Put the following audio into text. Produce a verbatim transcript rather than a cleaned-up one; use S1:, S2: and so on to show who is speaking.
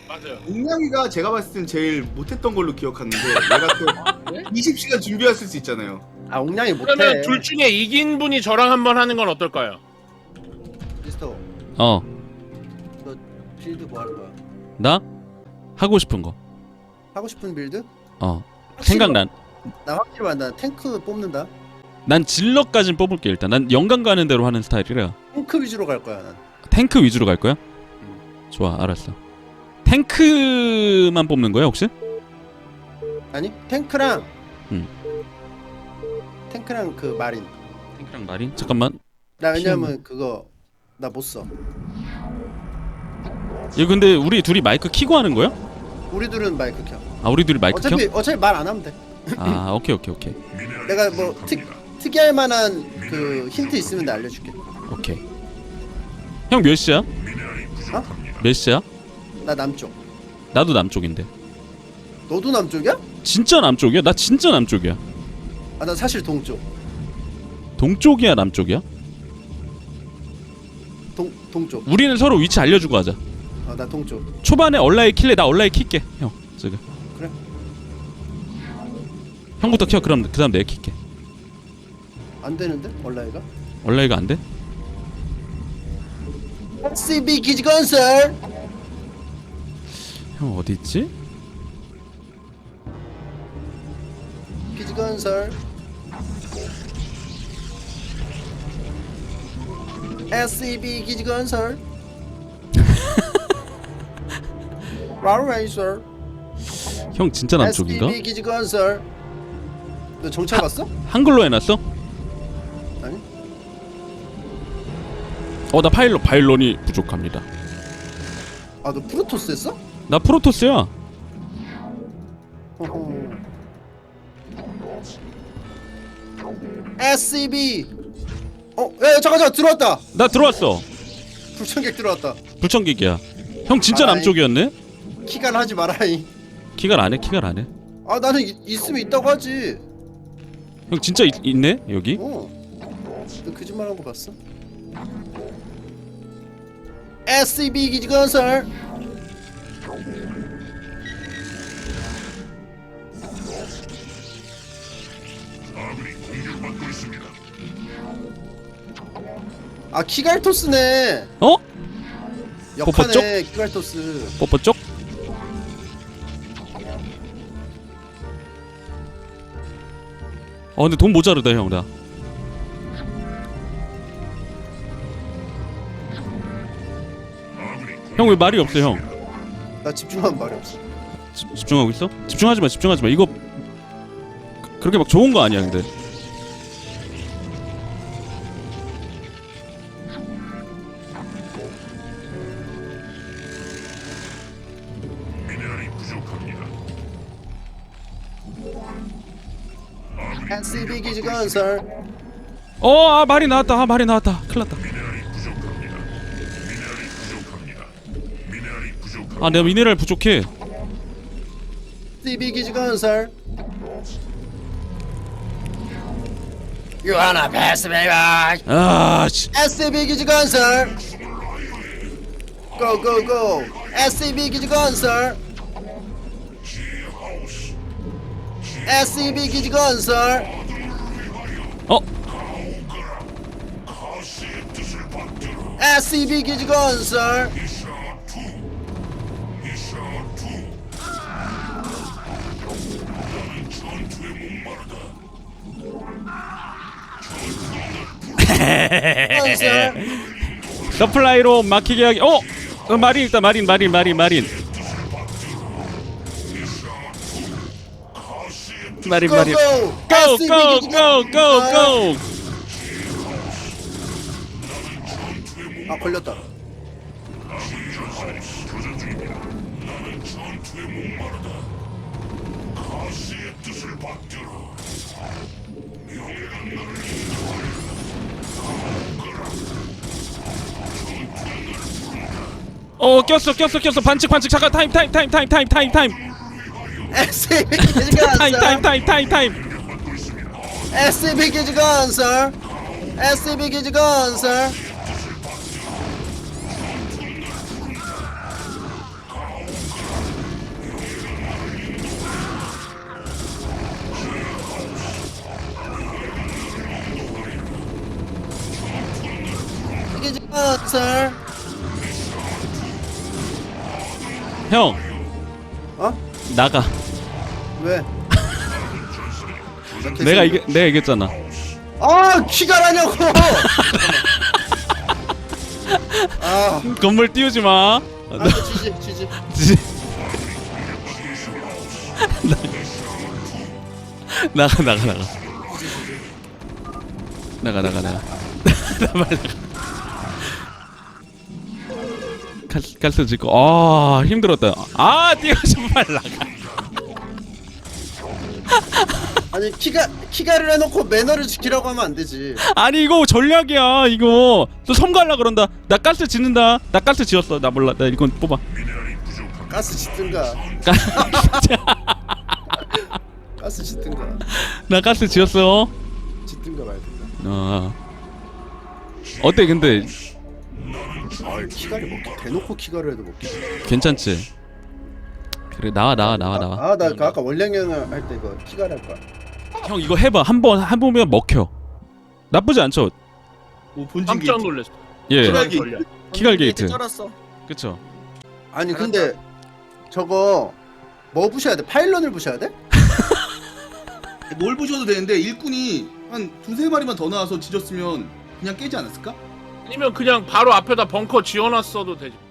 S1: 맞아요.
S2: 옥냥이가 제가 봤을 땐 제일 못했던 걸로 기억하는데 얘가 또
S1: 아, 그래?
S2: 이십 시간 준비했을 수 있잖아요.
S3: 아 옥냥이 못해.
S1: 그러면 둘 중에 이긴 분이 저랑 한번 하는 건 어떨까요?
S3: 리스터
S4: 어,
S3: 너 빌드 뭐 할 거야?
S4: 나 하고 싶은 거.
S3: 하고 싶은 빌드?
S4: 어,
S3: 확실히
S4: 생각난.
S3: 나 확실히 말한다. 탱크 뽑는다.
S4: 난 질럿까진 뽑을게 일단. 난 영감 가는 대로 하는 스타일이라.
S3: 탱크 위주로 갈 거야 난.
S4: 탱크 위주로 갈 거야? 좋아, 알았어. 탱크만 뽑는 거야 혹시?
S3: 아니 탱크랑
S4: 응.
S3: 탱크랑 그 마린.
S4: 탱크랑 마린? 잠깐만.
S3: 나 왜냐면 그거 나 못 써.
S4: 이거 근데 우리 둘이 마이크 키고 하는 거야?
S3: 우리 둘은 마이크 켜.
S4: 아, 우리 둘이 마이크 켜?
S3: 어차피 어차피 말 안 하면 돼.
S4: 아, 오케이 오케이 오케이.
S3: 내가 뭐 특 특이할 만한 그 힌트 있으면 나 알려줄게.
S4: 오케이. 형 몇 시야?
S3: 어?
S4: 몇 시야?
S3: 나 남쪽.
S4: 나도 남쪽인데.
S3: 너도 남쪽이야?
S4: 진짜 남쪽이야? 나 진짜 남쪽이야.
S3: 아 나 사실 동쪽.
S4: 동쪽이야, 남쪽이야?
S3: 동 동쪽.
S4: 우리는 서로 위치 알려주고 하자.
S3: 아 나 동쪽.
S4: 초반에 얼라이 킬래. 나 얼라이 킬게. 형 지금.
S3: 그래.
S4: 형부터 켜. 그럼 그다음 내가 킬게.
S3: 안 되는데 얼라이가?
S4: 얼라이가 안 돼?
S3: 씨비 기지건설.
S4: 형 어디 있지?
S3: 기지건설. 에스이비 기지건설. 라우레이서.
S4: 형 진짜 남쪽인가?
S3: 에스이비 기지건설. 너 정찰 봤어?
S4: 한글로 해놨어?
S3: 아니.
S4: 어, 나 파일럿 파일런이 부족합니다.
S3: 아 너 프로토스 했어?
S4: 나 프로토스야.
S3: 호호. 에스이비. 어, 야, 야 잠깐 잠깐 들어왔다.
S4: 나 들어왔어.
S3: 불청객 들어왔다.
S4: 불청객이야. 형 진짜
S3: 아이.
S4: 남쪽이었네?
S3: 키간 하지 마라이.
S4: 키갈 안 해? 키갈 안 해?
S3: 아 나는 이, 있으면 있다고 하지.
S4: 형 진짜 있, 있네? 여기?
S3: 어. 너 거짓말한 거 봤어? 에스이비 기지건설. 아 키갈토스네.
S4: 어?
S3: 역하네 키갈토스.
S4: 뽀뽀 쪽? 어 근데 돈 모자르다 형 나. 형 왜 말이 없어 형?
S3: 나 집중하면 말이 없어.
S4: 집, 집중하고 있어? 집중하지 마 집중하지 마 이거 그, 그렇게 막 좋은 거 아니야 근데.
S3: 에스이비 기지건설.
S4: 어, 아 말이 나왔다. 아 말이 나왔다. 큰일났다. 아 내가 미네랄 부족해.
S3: 에스이비 기지건설. You wanna pass me by?
S4: 아 씨.
S3: 에스이비 기지건설. Go go go. 에스이비 기지건설. 에스이비 기지건설.
S4: 어?
S3: 에스이비 기지건설. 건설.
S4: 서플라이로 막히게 하기. 어? 어 마린 있다. 마린 마린 마린 마린. 마린 마린.
S3: 고고.
S4: Go go go go go.
S3: 아 걸렸다.
S4: 어 꼈어 꼈어 꼈어 반칙 반칙 잠깐 타임 타임 타임 타임 타임 타임 타임
S3: 에스이비
S4: 타임 타임
S3: 기지건설.
S4: 타임 타임 타임.
S3: 에스이비 기지건설. 에스이비 기지건설. 슬슬.
S4: 형
S3: 어?
S4: 나가.
S3: 왜?
S4: 내가 이겨 내가 이겼잖아.
S3: 아 키가라냐고. 아,
S4: 건물 띄우지 마.
S3: 아 지지 지지.
S4: 지- 나가 나가 나가 나가 나가 나가 나 빨리 나가. 칼 칼스 짓고 아 힘들었다. 아 뛰어서 빨리 나가.
S3: 아니 키가 키가를 해놓고 매너를 지키라고 하면 안 되지.
S4: 아니 이거 전략이야 이거. 또 섬 갈라 그런다. 나 가스 짓는다. 나 가스 지었어. 나 몰라. 나 이건 뽑아.
S3: 가스 짓든가.
S4: 가-
S3: 가스 짓든가.
S4: 나 가스 지었어.
S3: 짓든가 말든가.
S4: 어 어때 근데
S3: 아 키가를 먹기 대놓고 키가를 해도 먹기.
S4: 괜찮지? 그래 나와 나와 나와 나와.
S3: 아나 그 아까 원량형을 할 때 이거 키가를 할 거야.
S4: 형 이거 해봐. 한번 한 번면 먹혀. 나쁘지 않죠?
S2: 오 본진
S1: 깜짝
S2: 게이트.
S1: 놀랐어.
S4: 예.
S2: 키갈기.
S1: 전략.
S4: 키갈 게이트.
S3: 쩔었어.
S4: 그쵸?
S3: 아니 근데 저거 뭐 부셔야 돼? 파일런을 부셔야 돼?
S2: 뭘 부셔도 되는데 일꾼이 한 두세 마리만 더 나와서 지졌으면 그냥 깨지 않았을까?
S1: 아니면 그냥 바로 앞에다 벙커 지어놨어도 되지.